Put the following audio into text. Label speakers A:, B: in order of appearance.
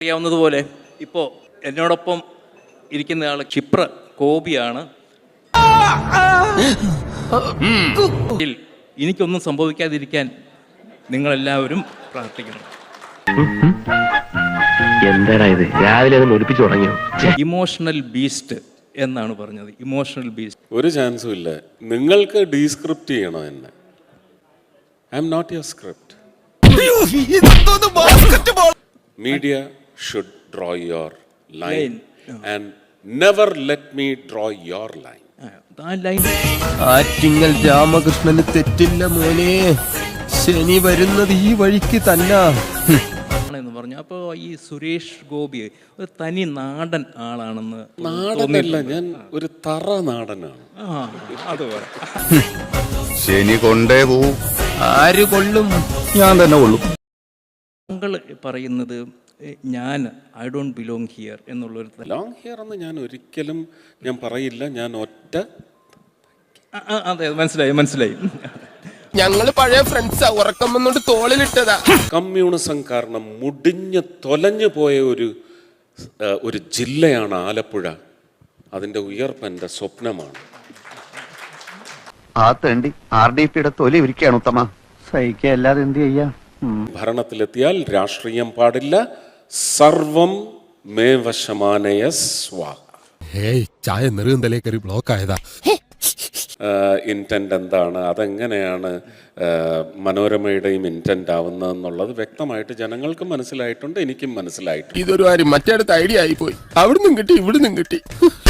A: അറിയാവുന്നതുപോലെ ഇപ്പോൾ എന്നോടൊപ്പം ഇരിക്കുന്ന ആൾ ക്ഷിപ്ര കോപിയാണ്. എനിക്കൊന്നും സംഭവിക്കാതിരിക്കാൻ നിങ്ങളെല്ലാവരും പ്രാർത്ഥിക്കണം.
B: എന്താ ഇത് രാവിലെ ഒലിപ്പിച്ചു തുടങ്ങിയോ?
A: ഇമോഷണൽ ബീസ്റ്റ് എന്നാണ് പറഞ്ഞത്. ഇമോഷണൽ ബീസ്റ്റ്
C: ഒരു ചാൻസും ഇല്ല. നിങ്ങൾക്ക് ഡീസ്ക്രിപ്റ്റ് ചെയ്യണം എന്നെ. I am not your script. Media should draw your line and never let me draw your line.
D: Attingal രാമകൃഷ്ണന് തെറ്റില്ല മോനെ, ശനി വരുന്നത് ഈ വഴിക്ക് തന്നെ
A: എന്ന് പറഞ്ഞു. അപ്പോൾ ഈ സുരേഷ് ഗോപി ഒരു തനി നാടൻ ആളാണെന്ന്.
C: നാടനല്ല, ഞാൻ ഒരു തറ നാടനാണ്.
A: അതുപോലെ
E: ശനി കൊണ്ടേ പോവും.
D: ആര് കൊള്ളും?
E: ഞാൻ തന്നെ കൊള്ളും.
A: താങ്കൾ പറയുന്നത് ഞാൻ ഐ ഡോണ്ട് ബിലോങ് ഹിയർ എന്നുള്ളൊരു
C: ബിലോങ് ഹിയർ എന്ന് ഞാൻ ഒരിക്കലും ഞാൻ പറയില്ല. ഞാൻ ഒറ്റ
A: അതെ, മനസ്സിലായി.
D: ഞങ്ങള് പഴയ ഫ്രണ്ട്സാ, ഉറക്കം വന്നോണ്ട് തോളിലിട്ടതാ.
C: കമ്മ്യൂണിസം കാരണം മുടിഞ്ഞ് തൊലഞ്ഞു പോയ ഒരു ജില്ലയാണ് ആലപ്പുഴ. അതിന്റെ ഉയർപ്പ് എൻ്റെ സ്വപ്നമാണ്.
E: ആ തേണ്ടി RDPയുടെ തൊലി ഇരിക്കുകയാണ് ഉത്തമ. സഹിക്കുക, അല്ലാതെ എന്ത് ചെയ്യാ?
C: ഭരണത്തിലെത്തിയാൽ രാഷ്ട്രീയം പാടില്ല. സർവം മേവശമാനയ സ്വാഹ.
F: ചായ നെറുകന്തലേ കയറി ബ്ലോക്ക് ആയതാ.
C: ഇൻറ്റൻറ്റ് എന്താണ്, അതെങ്ങനെയാണ് മനോരമയുടെയും ഇൻറ്റൻറ്റ് ആവുന്നതെന്നുള്ളത് വ്യക്തമായിട്ട് ജനങ്ങൾക്ക് മനസ്സിലായിട്ടുണ്ട്, എനിക്കും മനസ്സിലായിട്ടുണ്ട്.
D: ഇതൊരു കാര്യം മറ്റേടത്ത് ഐഡിയ ആയി പോയി. അവിടുന്നും കിട്ടി ഇവിടുന്നും കിട്ടി.